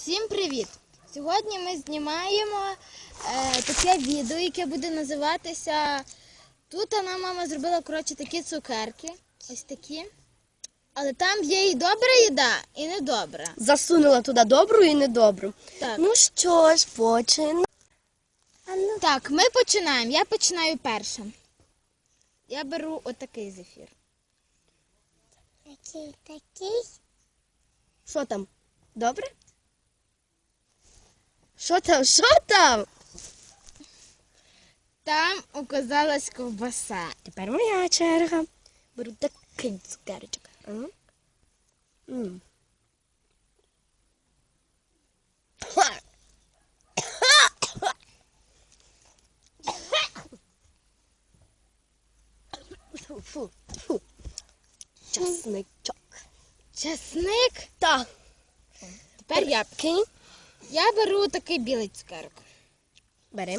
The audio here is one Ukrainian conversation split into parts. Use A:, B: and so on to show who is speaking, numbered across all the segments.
A: Всім привіт! Сьогодні ми знімаємо таке відео, яке буде називатися «Тут мама зробила, такі цукерки». Ось такі. Але там є і добра їда, і недобра.
B: Засунула туди добру і недобру.
A: Так.
B: Ну що ж, починаємо.
A: Так, ми починаємо. Я починаю перша. Я беру отакий зефір.
C: Такий.
B: Що там? Добре? Що там?
A: Там оказалась ковбаса.
B: Тепер моя черга. Беру такий цукерочок. Фу. Часничок.
A: Чесник.
B: Так.
A: Тепер я.
B: Кинь.
A: Я беру такий білий цукерок.
B: Берем.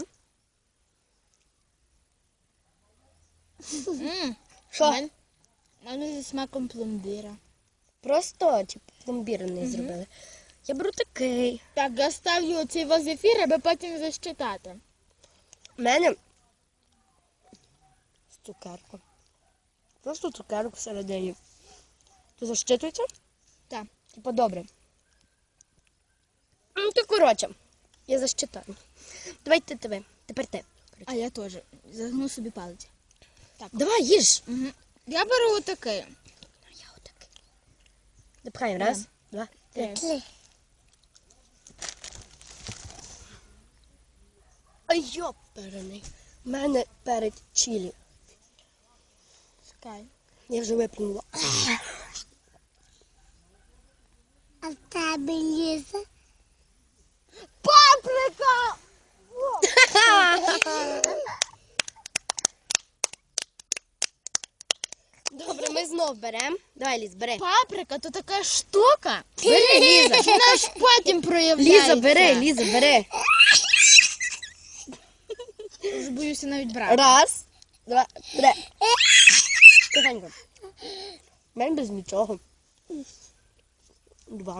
A: Що? У мене зі смаком пломбіра.
B: Просто пломбірний зробили. Я беру такий.
A: Так, я ставлю цей зефір, аби потім защитати.
B: У мене цукерка. Просто цукерок всередині. То защитується?
A: Так.
B: Типа добре. Ну, то коротше. Я защитаю. Давайте тебе. Тепер ти.
A: А я теж. Загну собі палець.
B: Давай, їж.
A: Угу. Я беру отакий.
B: Я отакий. Допхаємо. Раз, два, три. Ай, йоперений. У мене перед чилі.
A: Чекай.
B: Я вже виплюнула.
C: А в тебе Ліза?
A: Паприка!
B: Добре, ми знов беремо. Давай, Ліз, бери.
A: Паприка то така штука.
B: Бери, Ліза.
A: Вона ж потім проявляється.
B: Ліза, бери.
A: Вже боюся навіть брати.
B: Раз, два, три. Тихенько. У мене без нічого. Два.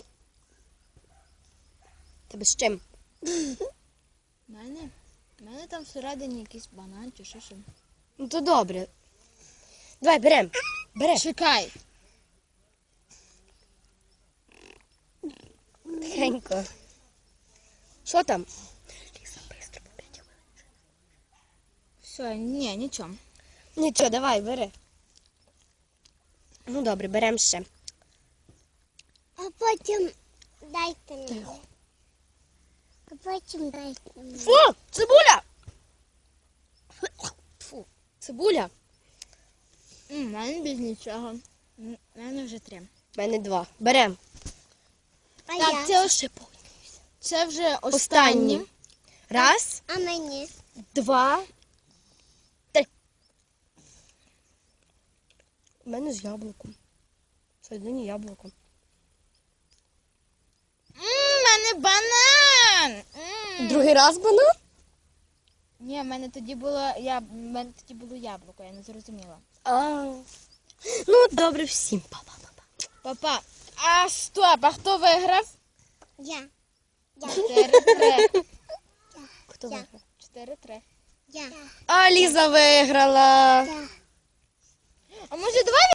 B: Тебе з чим?
A: У мене там всередині якийсь банан чи що.
B: Ну то добре. Давай, берем. Бери.
A: Чекай.
B: Тихенько. Що там? Ліза, быстро, по 5 хвилин.
A: Все, ні, нічого.
B: Нічого, давай, бери. Ну добре, беремо ще.
C: А потім дайте мені. А потім дайте мені.
B: Фу, цибуля! Фу, цибуля.
A: У мене без нічого. У мене вже 3.
B: У мене 2. Берем.
C: А
A: Так,
C: я?
A: це вже
B: Останні.
A: останні.
B: Раз,
C: А мені?
B: 2, 3. У мене з яблуком. Всередині яблуко.
A: У мене банан!
B: Другий раз банан?
A: Ні, в мене тоді було яблуко, я не зрозуміла.
B: Ну, добре всім. Па-па-па-па.
A: Папа, а стоп, а хто виграв?
C: Я.
A: 4-3.
B: Хто
C: Я.
B: виграв?
A: 4-3.
C: Я.
B: А Ліза виграла.
C: Я.
A: А може давай